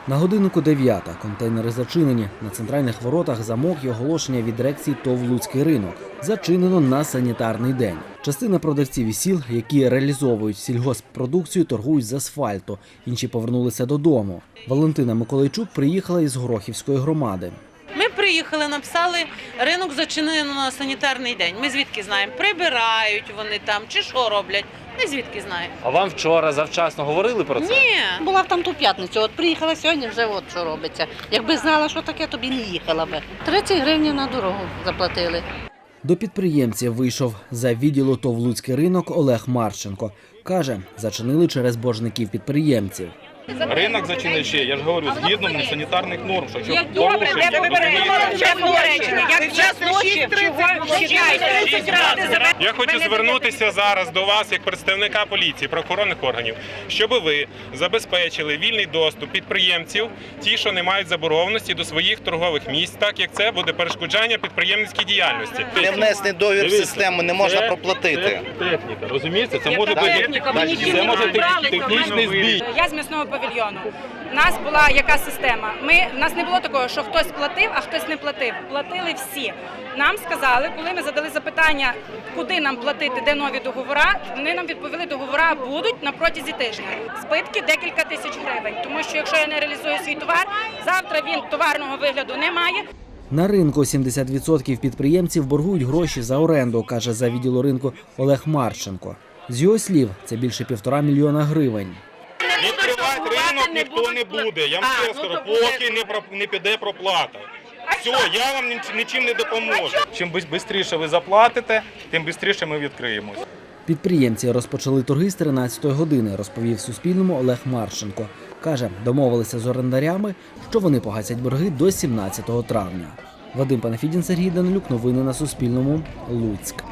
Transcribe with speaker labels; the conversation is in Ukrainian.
Speaker 1: На годиннику 9-та. Контейнери зачинені. На центральних воротах замок і оголошення від дирекції ТОВ «Луцький ринок». Зачинено на санітарний день. Частина продавців із сіл, які реалізовують сільгосппродукцію, торгують з асфальту. Інші повернулися додому. Валентина Миколайчук приїхала із Горохівської громади.
Speaker 2: Ми приїхали, написали, ринок зачинено на санітарний день. Ми звідки знаємо, прибирають вони там чи що роблять. Ми звідки знаємо.
Speaker 3: А вам вчора завчасно говорили про це?
Speaker 2: Ні.
Speaker 4: Була в там ту п'ятницю, от приїхала сьогодні, вже от що робиться. Якби знала, що таке, то б і не їхала би. 30 гривень на дорогу заплатили.
Speaker 1: До підприємців вийшов за відділу ТОВ «Луцький ринок» Олег Марченко. Каже, зачинили через боржників підприємців.
Speaker 5: Ринок зачинений ще, я ж говорю, згідно санітарних норм. Що
Speaker 6: Як добре, де ви берете речення? Як час ночі, чого чекаєте?
Speaker 7: Я хочу звернутися зараз до вас, як представника поліції, правоохоронних органів, щоб ви забезпечили вільний доступ підприємців, ті, що не мають заборгованості, до своїх торгових місць, так як це буде перешкоджання підприємницькій діяльності.
Speaker 8: Не внесений договір в систему, не можна проплатити.
Speaker 5: Техніка, розумієте? Це може бути технічний збій.
Speaker 6: Я з м'ясного павільйону. У нас була яка система? У нас не було такого, що хтось платив, а хтось не платив. Платили всі. Нам сказали, коли ми задали запитання, куди нам платити, де нові договори, вони нам відповіли, договори будуть на протязі тижня. Збитки декілька тисяч гривень, тому що якщо я не реалізую свій товар, завтра він товарного вигляду не має.
Speaker 1: На ринку 70% підприємців боргують гроші за оренду, каже за відділу ринку Олег Марченко. З його слів, це більше 1,5 мільйона гривень.
Speaker 7: Відкривати ринок ніхто не буде. Я вам ще скажу, поки не піде проплата. Все, я вам нічим не допоможу.
Speaker 5: Чим швидше ви заплатите, тим швидше ми відкриємось.
Speaker 1: Підприємці розпочали торги з 13-ї години, розповів Суспільному Олег Марченко. Каже, домовилися з орендарями, що вони погасять борги до 17 травня. Вадим Панафідін, Сергій Данилюк. Новини на Суспільному. Луцьк.